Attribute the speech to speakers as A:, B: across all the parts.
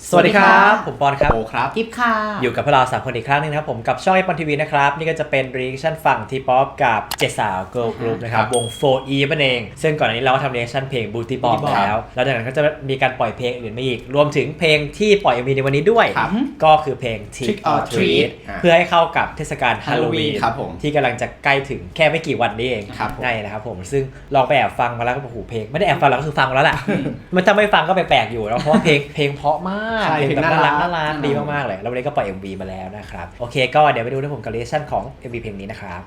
A: สวัสดีครับผมปอนครับ
B: โอครับ
C: กิฟค่ะ
A: อยู่กับพวกเรา3 คนอีกครั้งนึงนะครับผมกับช่องไอปอนทีวีนะครับนี่ก็จะเป็นรีแอคชั่นฝั่งทีป๊อปกับ7 สาวเกิร์ลกรุ๊ปนะครับวง 4E นั่นเองซึ่งก่อนหน้านี้เราก็ทำรีแอคชั่นเพลง Booty Bomb แล้วจากนั้นก็จะมีการปล่อยเพลงอื่นมาอีกรวมถึงเพลงที่ปล่อย MV ในวันนี้ด้วยก็คือเพลง Trick or Treat เพื่อให้เข้ากับเทศกาลฮาโลวีนที่กำลังจะใกล้ถึงแค่ไม่กี่วันนี้เองง่ายนะครับผมซึ่งลองไปแอบฟังมาแล้วก็โอ้โหเพลงไม่ได้แอบฟังแล้วก็คือฟังมาแล้วแหละมันถ้าไม่ฟังก็แปลกๆอยู่แล้วเพราะว่าเพลงเพราะมากเพลงแบบน่ารักดีมากๆเลยแล้ววันนี้ก็ปล่อย MV มาแล้วนะครับโอเคก็เดี๋ยวไปดูนะผมกับรีแอคชั่นของ MV เพลงนี้นะครับ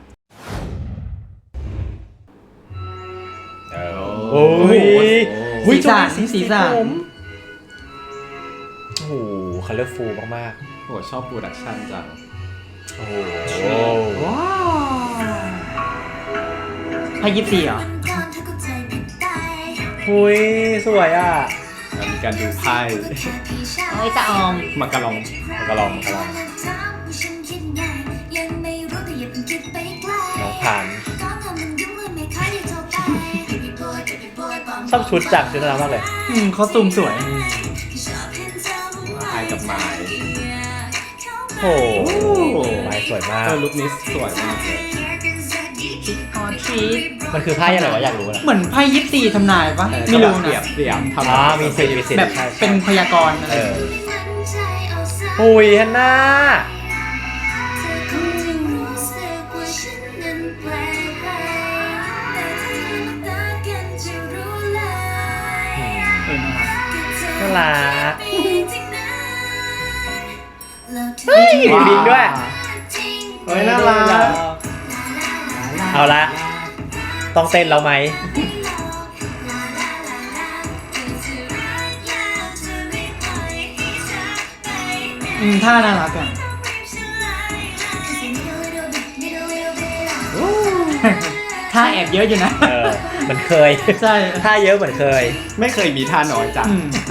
A: โอ้ย
C: สีสัน
A: โอ้โหคัลเลอร์ฟูลมาก
B: โอ้ชอบโปรดักชั่นจัง
A: โอ้โห
C: ว้าวพายิปซีเหรอ
A: หุยสวยอ่ะ
B: มีการดูไพ่
C: เอ้ยจะออม
B: มากระลอง
A: น้องพันชอบชุดจังชุดน่ารักมากเลย
C: คอสตูมสวย
B: ไพ่กับไม้
A: โอ้ไม้สวยมาก
B: ลุคนี้สวยมากเลย
A: มันคือไพ่อะไรวะอยากรู้นะ
C: เหมือนไพ่ยิปซีทำนายปะไม่รู้นะ
B: เรียบทำ
A: มีสิทธิ์
C: แบบเป็นพยากรณ์อะไร
A: หุยฮันน่าน่ารักเฮ้ยลิงด้วย
B: เฮ้ยน่ารัก
A: เอาละต้องเต้นแล้วไหม
C: ท่าน่ารักอ่ะท่าแอบเยอะอยู่นะ
A: มันเคย
C: ใช่
A: ท่าเยอะเหมือนเคย
B: ไม่เคยมีท่าน้อยจัง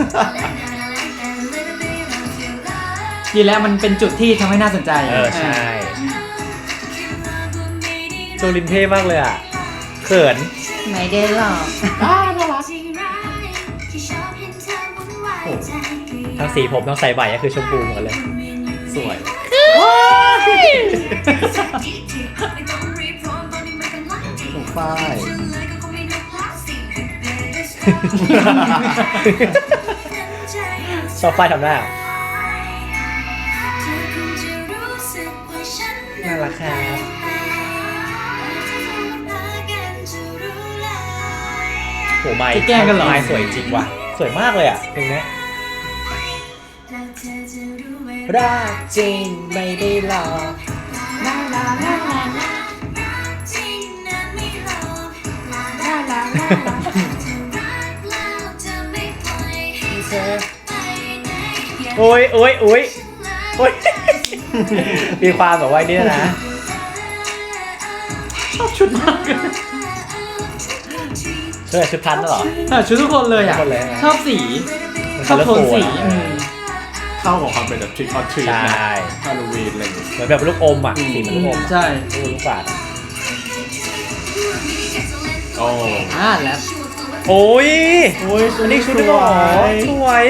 C: ดีแล้วมันเป็นจุดที่ทำให้น่าสนใจ
A: ใช่โจลินเท่มากเลยอ่ะเขิน
C: ไม่ได้หรอก
A: น่ารักทั้งสีผมทั้งใส่ใบก็คือชมพูเหมือนกันเลย
B: สวยถูกป้าย
A: ชอบป้ายทำหน้าน่ารักครับโหไม้
C: แกล้งกันเหรอ
A: ไม้สวยจริงว่ะสวยมากเลยอ่ะเพลงนี้รักจริงไม่ได้หลอกโอ้ยมีความแบบว่านี่นะ
C: ชอบชุดมาก
A: ชุดพันธุ์เหรอ
C: ชุดทุกคนเลยอ่ะชอบสีชอบโทนสี
B: เข้าของความเป็นแบบ Trick or Treat
A: นะ
B: ฮาโลวีนอะไรอย่างเงี้ย
A: เหมือนแบบลูกอมอ่ะสีเหมือนลูกอม
C: ใช่
A: ลูกบาศก์
C: แล้ว
A: โอ้ยอันนี้ชุดหรอสวย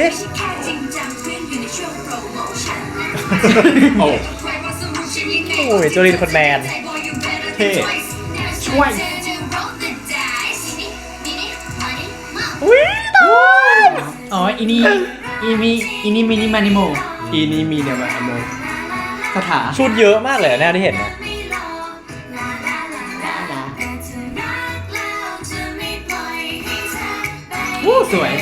A: โอ้ยโจลินคนแมน
B: เท่
C: ช่วยอ๋ออินี่มินิมานิโม
B: นี่มีเนี่ยมาโม
C: คาถา
A: ชุดเยอะมากเลยเนี่ยที่เห็นนะ
C: สวย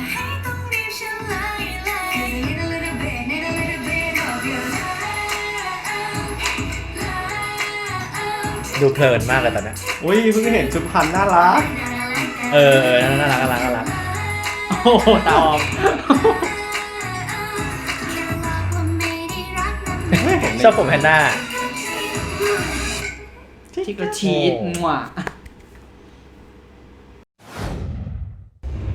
A: ดูเพลินมากเลยตอนนี้
B: อุ้ยเพิ่งเห็นชุดพันน่ารัก
A: น่ารัก
C: โอ้โหตาออม
A: ชอบผมแพนด้า
C: ที่กระชีดมั่ว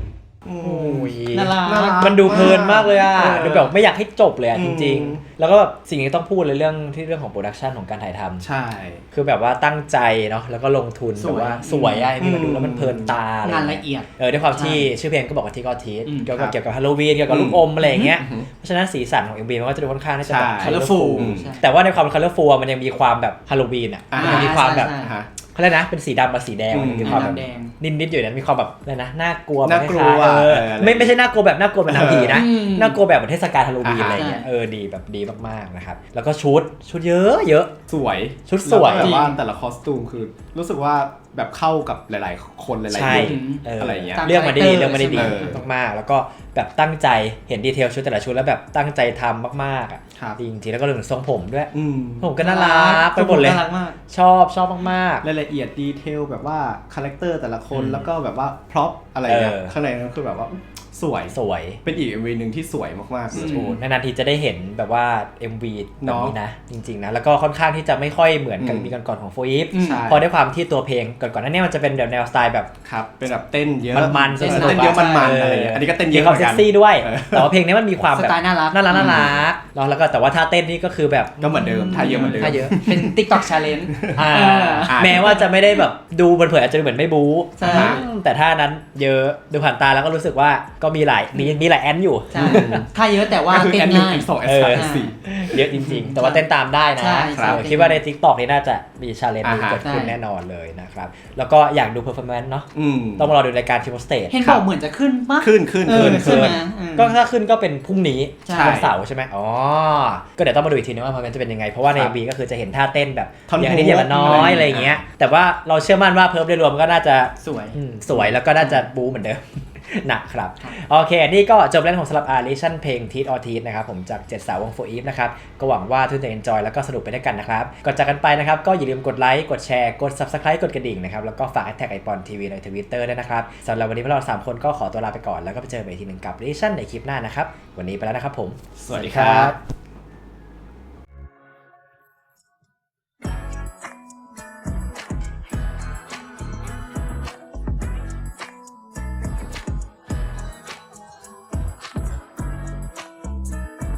B: อื
A: โอ้
B: ม
A: ย
C: น่ารัก
B: น่ารัก
A: มันดูเพลินมากเลยอ่ะ
B: เออ
A: ดูแบบไม่อยากให้จบเลยอ่ะ
B: อื
A: จ
B: ม
A: ริงๆ แล้วก็แบบสิ่งที่ต้องพูดเลยเรื่องของโปรดักชันของการถ่ายทำ
B: ใช่
A: คือแบบว่าตั้งใจเนาะแล้วก็ลงทุน
C: สวย
A: แบบว่าสวยอะที่มาดู
B: อืม
A: แล้วมันเพลินตาอะไร
C: งานละเอียด
A: ด้วยความที่
C: ใช่
A: ชื่อเพลงก็บอกว่าที่ก็ทีส
C: อืม
A: เกี่ยว
B: ครั
A: กับบ เกี่ยวกับฮาโลวีนเกี่ยวกับลูกอมอะไรอย่างเงี้ยเพราะฉะนั้นสีสันของ MV มันก็จะดูค่อนข้างที่จะแบบ
B: ใช่
A: colorful
B: colorful
C: ใช่
A: แต่ว่าในความ colorful อะมันยังมีความแบบฮาโลวีนอ่ะ
B: อ่ามั
A: มันยังมีความแบบ
C: ใช่
B: ฮะ
A: เขาเรียกนะเป็นสีดำกับสีแดงมันยังมีความแบบ
C: ดำแดง
A: นิดๆอยู่นั้นมีความแบบอะไรนะน่ากลัว
B: น่ากลัว
A: คล้ายๆ
B: เออ
A: ไม่ใช่น่ากลัวแบบน่ากลัวแบบหนังผีนะ
C: อืม
A: น่ากลัวแบบเหมือนเทศกาลฮาโลวีน
B: อ่า
A: อะไรเงี้ย
C: ใช่
A: ดีแบบดีมากๆนะครับแล้วก็ชุดเยอะ
B: สวย
A: ชุดสวย
B: แล้ก็แบบว่า
C: จริง
B: แต่ละคอสตูมคือรู้สึกว่าแบบเข้ากับหลายๆ คนหลาย
A: ใช่
B: ๆลุค อะไรอย่างเงี้ย
A: เลือกมาได้ดี
C: ตาม
A: เลือกมาได้ดี
B: เออ
A: มากๆ แล้วก็แบบตั้งใจเห็นดีเทลชุดแต่ละชุดแล้วแบบตั้งใจทำมากๆอ่ะ
B: ครับ
A: ดีจริงๆแล้วก็เรื่องทรงผมด้วย
B: อืม
A: ผมก็น่ารักไปหมดเลย
C: น่ารักมาก
A: ชอบมาก
B: รายละเอียดดีเทลแบบว่าคาแรคเตอร์แต่ละคน
A: อืม
B: แล้วก็แบบว่าพร็อพอะไรเงี้ย
A: เออ
B: ข้างในนั้นคือแบบว่าสวย
A: สวย
B: เป็นอีก MV หนึ่งที่สวยมากๆเลย
C: อืม
A: โอ้นานๆทีจะได้เห็นแบบว่า MV แบบ
B: เนาะ
A: นี้นะ จริงๆนะแล้วก็ค่อนข้างที่จะไม่ค่อยเหมือนกับ
B: อืม
A: มีก่อนๆของโฟอีฟ
C: อืม
B: ใช่
A: พอด้วยความที่ตัวเพลงก่อนๆนั้นเนี่ยมันจะเป็นแบบแนวสไตล์แบบ
B: ครับเป็นแบบเต้นเยอะ
A: มันๆ
B: เต้น
A: สนุก
B: เยอะ
A: อะ
B: มันๆอะไรเงี้ยอันนี้ก็เต้นเย
A: มี
B: อะ
A: ความ
B: เหมื
A: เซ็
B: อน
A: ก
B: กัน
A: ซี่ด้วย
B: เออ
A: แต่ว่าเพลงนี้มันมีความ
C: ส
A: แบบ
C: ไตล์น่ารัก
A: น่ารักเนาะแล้วก็แต่ว่าท่าเต้นนี่ก็คือแบบ
B: ก็เหมือนเดิมท่าเยอะเหมือนเดิม
A: ท่าเยอะ
C: เป็น TikTok Challenge
A: อ่า
C: เออ
A: แม้ว่าจะไม่ได้แบบดูเผินๆอาจจะเหมือนไม่บู๊
C: ใช่
A: แต่ท่านั้นเยอะดูผ่านตาแล้วก็รู้สึกว่าก็มีหลายแอนอยู่
C: ใช่ถ้าเยอะแต่ว่า
B: ก็คือ
C: เต้
B: แอน
C: น
B: หนึ่ง
C: ง่าย
B: แอนสองแอนสามแอนสี่
A: เยอะจริงๆ แต่ว่าเต้นตามได้นะ
C: ใช่ใช่
A: คิดว่าใน TikTok นี่น่าจะมีชาเลนจ์
B: อ่าฮะ
A: เกิดขึ้น
C: ใช่
A: แน่นอนเลยนะครับแล้วก็อยากดูเพอร์ฟอร์แมนซ์เนาะ
B: อืม
A: ต้องมารอดูรายการทิมสเตท
C: เห็นบอกเหมือนจะขึ้นปะ
B: ขึ้น
C: เออ
A: ขึ้น
C: ใช่ไหมอืม
A: ก็ถ้าขึ้นก็เป็นพรุ่งนี้
C: ใช่
A: วันเสาร์ใช่ไหมอ๋อ ก็เดี๋ยวต้องมาดูอีกทีนึงว่ามันจะเป็นยังไง เพราะว่าใน
B: ครับ
A: MV ก็คือจะเห็นท่าเต้นแบบ
B: ท่อน
A: อย่างนี้อย่างละน้อ
B: ฮุก
A: ยอะไรอย่างเงี้ย แต่ว่าเราเชื่อมั่นว่าเพิร์ฟโดยรวมก็น่าจะ
C: สวย
A: สวยแล้วก็น่าจะบู๊เหมือนเดิม นะครับ
C: ครับ
A: โอเค นี่ก็จบแล้วของสำหรับReaction เพลง Teeth or Teeth นะครับผมจาก7สาววง For Eve นะครับ ก็หวังว่าทุกท่านจะ enjoy แล้วก็สนุกไปด้วยกันนะครับ ก่อนจากกันไปนะครับก็อย่าลืมกดไลค์กดแชร์กด Subscribe กดกระดิ่งนะครับแล้วก็ฝากแท็กไอปอนทีวีใน Twitter ด้วยนะครับสำหรับวันนี้พวกเรา3คนก็ขอตัวลาไปก่อนแล้วก็ไปเจอกันอีกทีหนึ่งกับ Reaction ในคลิปหน้านะครับวันนี้ไปแล้วนะครับผม
B: สวัสดีครับ